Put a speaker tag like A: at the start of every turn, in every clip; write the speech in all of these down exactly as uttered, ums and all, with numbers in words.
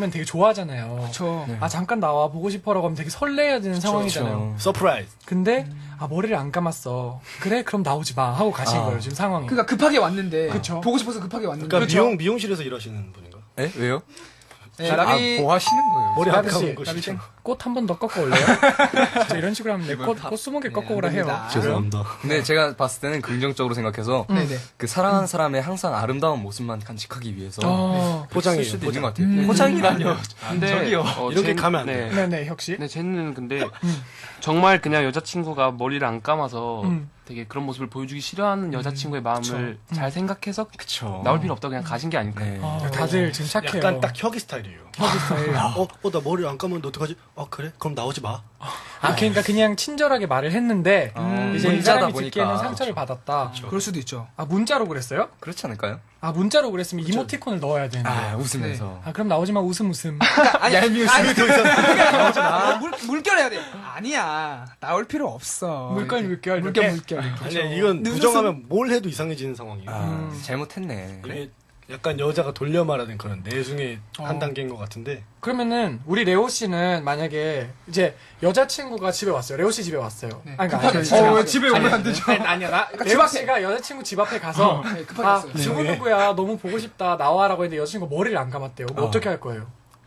A: 면 되게 좋아하잖아요.
B: 그쵸.
A: 아 잠깐 나와 보고 싶어라고 하면 되게 설레야 되는
C: 그쵸,
A: 상황이잖아요.
C: 그쵸. 서프라이즈.
A: 근데 아 머리를 안 감았어. 그래 그럼 나오지 마 하고 가신
C: 아.
A: 거예요 지금 상황이.
B: 그러니까 급하게 왔는데
A: 그쵸.
B: 보고 싶어서 급하게 왔는데
C: 그러니까
A: 그쵸.
C: 미용 미용실에서 일하시는 분인가?
D: 에? 왜요?
B: 네,
D: 아,
B: 라비
D: 뭐 하시는 거예요?
C: 머리 안
A: 라비 씨,
C: 감은 거
A: 라비
C: 진짜.
A: 꽃 한 번 더 꺾어 올래요? 진짜 이런 식으로 하면 꽃, 꽃 스무 개 꺾어 오라 해요.
B: 됩니다.
C: 죄송합니다.
D: 근데 제가 봤을 때는 긍정적으로 생각해서
B: 네네.
D: 그 사랑하는 사람의 항상 아름다운 모습만 간직하기 위해서
A: 어,
C: 포장이에요,
D: 쓸 수도
C: 포장.
D: 있는 것 같아요.
B: 음.
D: 포장이라뇨.
E: 근데
D: 저기요.
E: 어,
C: 이렇게
E: 쟤-
C: 가면 안 돼.
E: 네.
A: 네네 혁씨.
E: 네, 쟤는 근데 정말 그냥 여자친구가 머리를 안 감아서
A: 음.
E: 되게 그런 모습을 보여주기 싫어하는 여자친구의 마음을 잘 생각해서
D: 그쵸.
E: 나올 필요 없다고 그냥 가신 게 아닐까요?
D: 네.
A: 아, 다들 지금 착해요.
C: 약간 딱 혁이 스타일이에요.
A: 혁이 스타일.
C: 어, 어, 나 머리 안 감았는데 어떡하지? 아, 그래? 그럼 나오지 마.
A: 아 그러니까 그냥 친절하게 말을 했는데
D: 음,
A: 이제 이
D: 문자다
A: 사람이
D: 보니까.
A: 듣기에는 상처를 받았다.
B: 그럴 수도 있죠.
A: 아 문자로 그랬어요?
D: 그렇지 않을까요?
A: 아 문자로 그랬으면 이모티콘을 넣어야 되는데.
D: 아,
A: 아,
D: 웃으면서.
A: 그럼 나오지 마 웃음 웃음.
B: 아니, 아니, 아니,
C: 더 이상
B: 아, 물, 물결 해야 돼. 아니야. 나올 필요 없어.
A: 물결,
B: 이렇게.
A: 물결,
B: 물결,
A: 이렇게.
B: 물결.
C: 아니야, 이건
B: 늦었음.
C: 부정하면 뭘 해도 이상해지는 상황이에요.
D: 아,
A: 음.
D: 잘못했네.
C: 이게 약간 여자가 돌려 말하는 그런 내숭의
A: 어.
C: 한 단계인 것 같은데.
A: 그러면은 우리 레오 씨는 만약에 이제 여자친구가 집에 왔어요. 레오 씨 집에 왔어요.
B: 네.
A: 아니, 그러니까
B: 급하게
A: 아니,
B: 집에
A: 아니,
B: 어,
A: 아니,
B: 집에 오면 안 되죠.
A: 아니, 아니야. 나,
B: 그러니까
A: 레오
B: 집 앞에.
A: 씨가 여자친구 집 앞에 가서
B: 네, 급하게
A: 아,
B: 왔어요.
A: 누구 누구야 너무 보고 싶다 나와라고 했는데 여자친구가 머리를 안 감았대요. 그럼
C: 어.
A: 어떻게 할 거예요?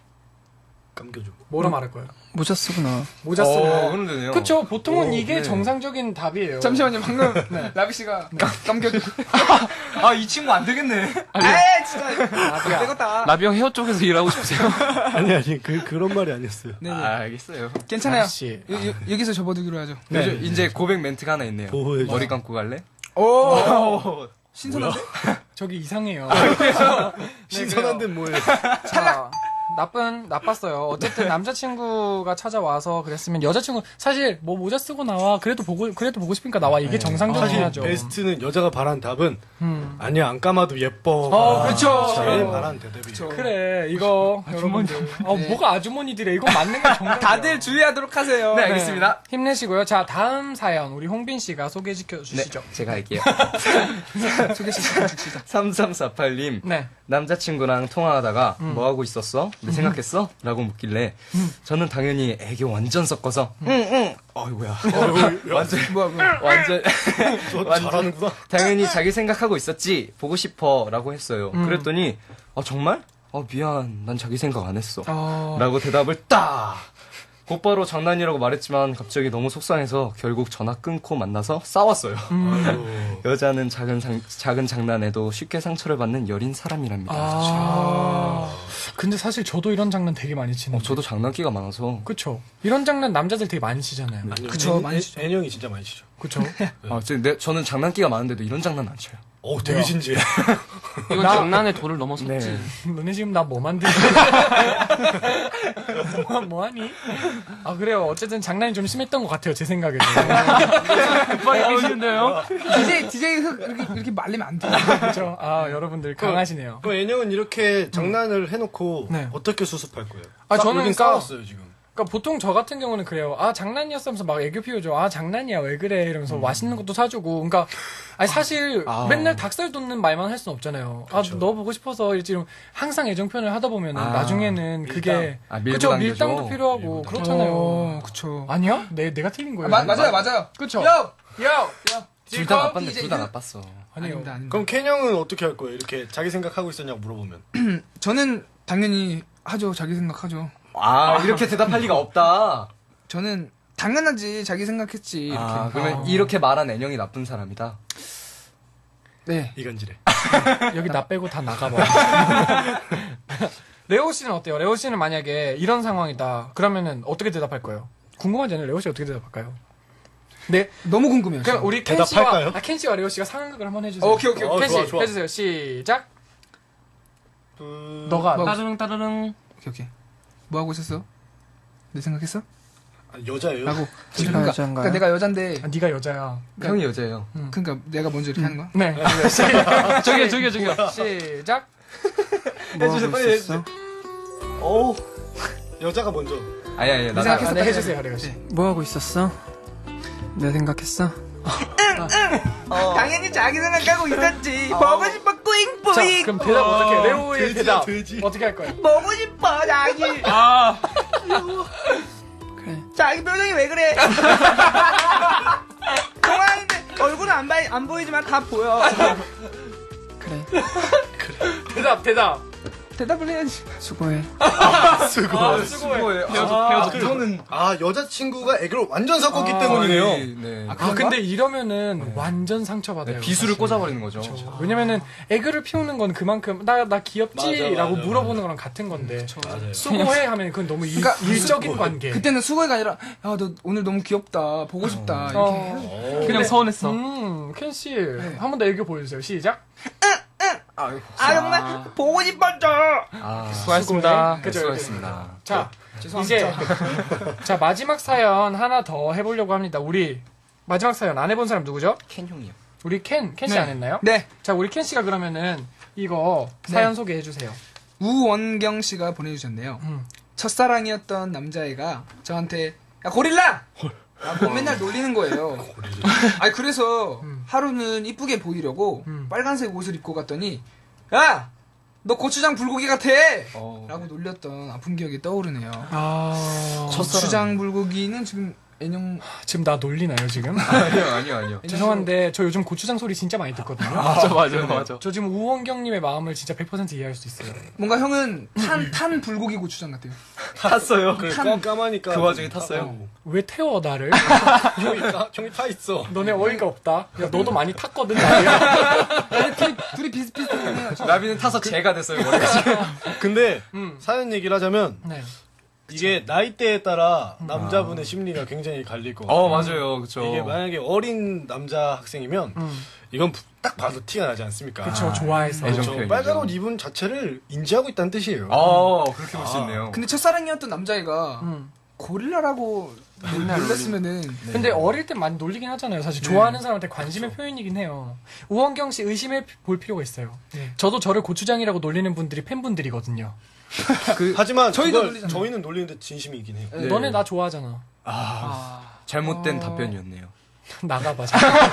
C: 감겨줘.
A: 뭐라 말할 거예요?
B: 모자 쓰구나.
A: 모자
D: 어,
A: 쓰고.
D: 그럼 되네요.
A: 그쵸. 보통은
C: 오,
A: 이게
D: 네.
A: 정상적인 답이에요.
B: 잠시만요. 방금 라비 씨가 감겨.
D: 아, 이 친구 안 되겠네.
B: 에이, 진짜.
A: 라비야.
B: 되겠다.
E: 라비 형 헤어 쪽에서 일하고 싶으세요?
C: 아니, 아니, 그, 그런 말이 아니었어요.
B: 네네.
D: 아, 알겠어요.
B: 괜찮아요.
A: 라비 씨.
B: 여, 여, 여기서 접어두기로 하죠.
A: 네.
D: 요즘 이제 고백 멘트가 하나 있네요.
C: 보호해줘.
D: 머리 감고 갈래?
B: 오. 신선한데?
A: 저기 이상해요.
C: 신선한 데는 뭐예요?
A: 자, 나쁜 나빴어요. 어쨌든 남자친구가 찾아와서 그랬으면 여자친구 사실 뭐 모자 쓰고 나와 그래도 보고 그래도 보고 싶으니까 나와 이게
C: 사실
A: 정상적이야죠.
C: 베스트는 여자가 바란 답은
A: 음.
C: 아니야, 안 감아도 예뻐.
A: 어, 그렇죠.
C: 제일 바란 대답이.
B: 그쵸.
A: 그래 이거 여러분들 아 뭐가 아주머니들이야 이거 맞는 거 정말
B: 다들 주의하도록 하세요.
D: 네, 알겠습니다.
A: 힘내시고요. 자 다음 사연 우리 홍빈 씨가 소개해
D: 네,
A: 주시죠.
D: 제가 할게요.
B: 소개시켜 줍시다.
D: 삼삼사팔 님.
A: 네.
D: 남자친구랑 통화하다가 뭐 하고 있었어? 네, 생각했어? 라고 묻길래 저는 당연히 애교 완전 섞어서 응응 어이구야 완전
B: 뭐야, 뭐야.
D: 완전
C: 저
D: 완전-
C: 잘하는구나.
D: 당연히 자기 생각하고 있었지 보고 싶어 라고 했어요.
A: 음.
D: 그랬더니 아 정말? 아 미안 난 자기 생각 안 했어
A: 어...
D: 라고 대답을 딱 곧바로 장난이라고 말했지만 갑자기 너무 속상해서 결국 전화 끊고 만나서 싸웠어요.
A: 음.
D: 여자는 작은 상, 작은 장난에도 쉽게 상처를 받는 여린 사람이랍니다.
A: 아 근데 사실 저도 이런 장난 되게 많이 치는.
D: 어, 저도 장난기가 많아서.
A: 그쵸. 이런 장난 남자들 되게 많이 치잖아요.
C: 아니요,
B: 그쵸,
C: 애-
B: 많이
C: 애-
B: 치죠.
C: 애형이 진짜 많이 치죠.
A: 그쵸.
D: 아, 저, 내, 저는 장난기가 많은데도 이런 장난 안 쳐요.
C: 어, 되게 진지해.
E: 이건
A: 나-
E: 장난의 도를 넘어섰지.
D: 네.
A: 너네 지금 나 뭐 만드니? 뭐, 뭐하니? 아 그래요. 어쨌든 장난이 좀 심했던 것 같아요. 제 생각에도.
E: 급하게 계시는데요?
B: 디제이, 디제이 흑 이렇게, 이렇게 말리면 안 돼.
A: 그렇죠. 아 여러분들 강하시네요.
C: 그럼 애형은 이렇게 장난을 해놓고
A: 네.
C: 어떻게 수습할 거예요?
A: 아,
C: 싸-
A: 저는
C: 여긴
A: 그러니까-
C: 싸웠어요, 지금.
A: 그러니까 보통 저 같은 경우는 그래요. 아 장난이었으면서 막 애교 피우죠. 아 장난이야 왜 그래 이러면서 맛있는 것도 사주고. 그러니까 아니 사실
D: 아.
A: 맨날 닭살 돋는 말만 할 수는 없잖아요. 아 너 보고 싶어서 이제 항상 애정 표현을 하다 보면은
D: 아,
A: 나중에는 그게
D: 아, 밀고
A: 그쵸
D: 당기죠.
A: 밀당도 필요하고
C: 밀고
A: 그렇잖아요.
B: 어, 그쵸.
A: 아니야? 내 내가 틀린 거예요.
B: 아, 마, 맞아요, 맞아요.
A: 그쵸.
B: 요!
A: 야
B: 요!
D: 둘 다 나빴네,
B: 디제이
D: 둘 다
B: 흑.
D: 나빴어.
A: 아니요.
B: 아닙니다, 아닙니다.
C: 그럼 켄 형은 어떻게 할 거예요? 이렇게 자기 생각하고 있었냐고 물어보면.
B: 저는 당연히 하죠. 자기 생각하죠.
D: 아, 이렇게 대답할 리가 없다.
B: 저는 당연하지. 자기 생각했지. 이렇게.
D: 아, 그러면
A: 아.
D: 이렇게 말한 애령이 나쁜 사람이다.
B: 네.
C: 이간질해.
A: 여기 나 빼고 다 나가봐. 레오 씨는 어때요? 레오 씨는 만약에 이런 상황이다. 그러면은 어떻게 대답할 거예요? 궁금하지 않아요? 레오 씨 어떻게 대답할까요? 네.
B: 너무 궁금해요.
A: 그럼
B: 지금.
A: 우리 켄 씨와
C: 대답할까요?
A: 아, 켄 씨와 레오 씨가 상황극을 한번 해주세요.
B: 오케이, 오케이,
C: 오케이.
A: 켄 씨
C: 어, 좋아, 좋아.
A: 해주세요. 시작.
C: 음...
A: 너가
B: 뭐-
E: 따르릉 따르릉.
B: 오케이, 오케이. 뭐 하고 있었어? 내 생각했어?
C: 아, 여자예요?
B: 라고.
A: 제가
B: 그러니까,
A: 여잔가요?
B: 그러니까 내가 여잔데,
A: 아, 네가 여자야.
D: 형이 여자예요.
B: 그러니까 내가 먼저 이렇게 하는 거야?
A: 네.
E: 저기요, 저기요, 저기요.
A: 시작.
C: 해주세요, 빨리 해주세요. 오, 여자가 먼저.
D: 아니, 아니, 나,
B: 생각했어.
A: 아, 네, 해주세요, 레오 씨.
B: 네.
F: 뭐 하고 있었어? 내 생각했어?
B: 당연히 자기 생각하고 있었지. 보고 싶어
A: 자,
B: 뿌잉뿌잉.
A: 그럼 대답 어떻게 해? 레오의
C: 돼지야,
A: 대답
C: 돼지.
A: 어떻게 할 거예요?
B: 보고 싶어 자기.
E: 아,
A: 그래.
B: 자기 표정이 왜 그래? 동화인데 얼굴은 안, 봐- 안 보이지만 다 보여.
A: 그래. 대답 대답.
B: 대답을 해야지.
A: 수고해.
C: 수고.
A: 아, 수고해.
E: 헤어져, 헤어져.
D: 그거는
C: 아 여자친구가 애교를 완전 섞었기
A: 아,
C: 때문이네요.
D: 네.
A: 아, 근데 이러면은 완전 상처받아요.
D: 비수를
A: 사실.
D: 꽂아버리는 거죠.
A: 왜냐면은 애교를 피우는 건 그만큼 나 나 귀엽지라고
C: 맞아, 맞아,
A: 물어보는 거랑 같은 건데
C: 맞아요.
A: 수고해 하면 그건 너무 일,
B: 그러니까
A: 일적인 관계.
B: 그때는 수고해가 아니라 야 너 오늘 너무 귀엽다 보고 싶다 이렇게.
A: 어.
E: 그냥 서운했어.
A: 음, 켄 씨, 한 번 더 애교 보여주세요. 시작.
D: 아유,
B: 아 정말 보고 싶었죠.
D: 아,
A: 수고하셨습니다.
D: 네,
A: 그죠?
D: 수고하셨습니다.
A: 자,
B: 죄송합니다.
A: 이제 자 마지막 사연 하나 더 해보려고 합니다. 우리 마지막 사연 안 해본 사람 누구죠?
D: 켄 형이요.
A: 우리 켄, 켄 씨
B: 네.
A: 안 했나요?
B: 네.
A: 자, 우리 켄 씨가 그러면은 이거
B: 네.
A: 사연 소개해 주세요.
B: 우원경 씨가 보내주셨네요.
A: 음.
B: 첫사랑이었던 남자애가 저한테 야 고릴라! 라고 맨날 놀리는 거예요. 아니 그래서
A: 음.
B: 하루는 이쁘게 보이려고
A: 음.
B: 빨간색 옷을 입고 갔더니 야! 너 고추장 불고기 같아!
D: 어.
B: 라고 놀렸던 아픈 기억이 떠오르네요.
A: 아,
B: 고추장 불고기는 지금 애녕
A: 지금 나 놀리나요 지금?
D: 아니요, 아니요, 아니요.
A: 죄송한데 저 요즘 고추장 소리 진짜 많이 듣거든요.
E: 맞아, 맞아, 맞아.
A: 저 지금 우원경님의 마음을 진짜 백 퍼센트 이해할 수 있어요.
B: 뭔가 형은 탄, 탄 불고기 고추장 같아요.
D: 탔어요.
C: 그래 까, 까마니까
D: 그 와중에 탔어요?
A: 왜 태워 나를?
C: 형이 까, 형이 타 있어.
A: 너네 어이가 없다. 야 너도 많이 탔거든. 나야.
B: 둘이, 둘이 비슷비슷해요.
D: 나비는 타서 제가 됐어요, 머리가 지금.
C: 근데
A: 음.
C: 사연 얘기를 하자면
A: 네.
C: 이게 나이대에 따라 남자분의 심리가 굉장히 갈릴 것 같아요.
D: 어, 맞아요. 그쵸.
C: 이게 만약에 어린 남자 학생이면
A: 음.
C: 이건 부- 딱 봐도 티가 나지 않습니까?
A: 그쵸 좋아해서.
D: 애정
C: 그렇죠.
D: 표현이죠.
C: 빨간 옷 입은 자체를 인지하고 있다는 뜻이에요.
D: 어, 그렇게 볼 수 있네요.
B: 근데 첫사랑이었던 남자애가
A: 음.
B: 고릴라라고 놀렸으면은
A: 근데 어릴 때 많이 놀리긴 하잖아요. 사실 좋아하는 사람한테 관심의 표현이긴 해요. 우원경 씨 의심해 볼 필요가 있어요. 저도 저를 고추장이라고 놀리는 분들이 팬분들이거든요.
C: 하지만
B: 저희도
C: 그걸
B: 놀리잖아요.
C: 저희는 놀리는데 진심이긴 해요.
D: 네.
A: 너네 나 좋아하잖아.
B: 아,
D: 잘못된
B: 어.
D: 답변이었네요.
A: 나가봐.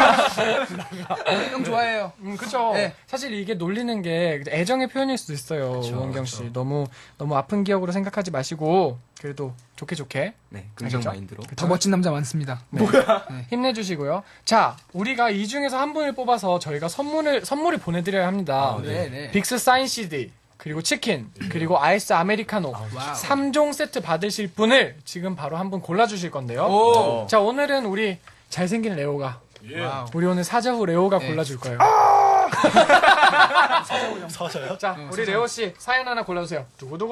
B: 형 좋아해요.
A: 음, 그쵸.
B: 네.
A: 사실 이게 놀리는 게 애정의 표현일 수도 있어요. 우원경 씨. 너무, 너무 아픈 기억으로 생각하지 마시고, 그래도 좋게 좋게
D: 네, 긍정
A: 알겠죠?
D: 마인드로.
B: 더 멋진 남자 많습니다.
A: 힘내주시고요. 자, 우리가 이 중에서 한 분을 뽑아서 저희가 선물을, 선물을 보내드려야 합니다.
B: 네, 네.
A: 빅스 사인 씨디, 그리고 치킨, 그리고 아이스 아메리카노.
B: 와우.
A: 삼 종 세트 받으실 분을 지금 바로 한 분 골라주실 건데요.
B: 오.
A: 자, 오늘은 우리 잘생긴 레오가,
B: 와우.
A: 우리 오늘 사자후 레오가
B: 네.
A: 골라줄 거예요.
C: 서서요?
A: 자, 우리 레오 씨 사연 하나 골라주세요.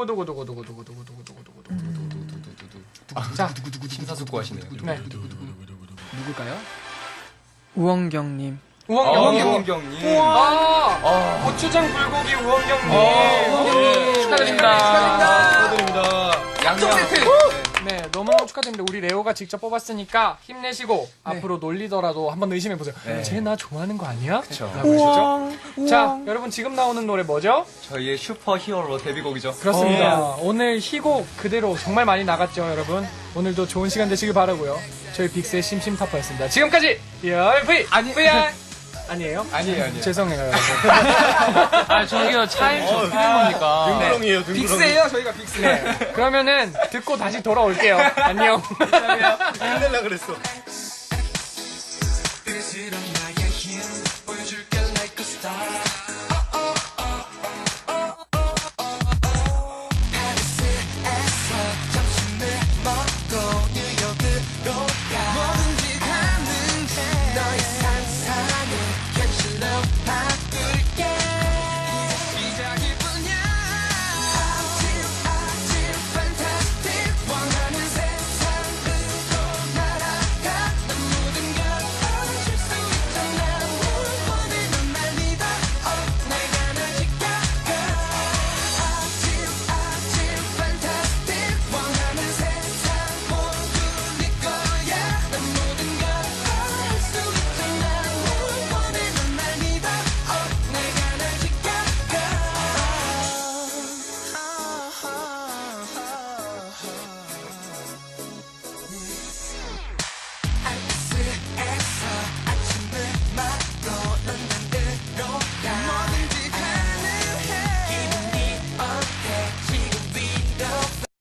A: 두구두구두구두구두구두구두구두구두구두구두구두구두구. 자,
D: 심사숙고하시네요.
A: 네.
B: 누굴까요?
F: 우원경님.
A: 우원경.
D: 어, 우원경님.
A: 아, 고추장 불고기 우원경님.
B: 우원경님.
A: 축하드립니다.
C: 축하드립니다.
B: 양쪽 세트.
A: 네, 너무 축하드립니다. 우리 레오가 직접 뽑았으니까 힘내시고 앞으로 놀리더라도 한번 의심해보세요.
D: 네.
A: 쟤 나 좋아하는 거 아니야?
D: 그쵸.
A: 라고 하시죠. 자, 여러분 지금 나오는 노래 뭐죠?
D: 저희의 슈퍼 히어로 데뷔곡이죠.
A: 그렇습니다. 오늘 희곡 그대로 정말 많이 나갔죠, 여러분. 오늘도 좋은 시간 되시길 바라고요. 저희 빅스의 심심타파였습니다. 지금까지 리얼 V
B: 아니.
A: 브이알 아니에요?
D: 아니에요, 아니에요.
A: 죄송해요, 여러분.
E: 아, 저기요, 차임 저 어떻게 된 겁니까?
C: 등구렁이에요, 등구렁이.
B: 빅스예요, 저희가 빅스.
A: 네. 그러면은 듣고 다시 돌아올게요. 안녕.
C: 힘내려 그랬어.
G: Is it a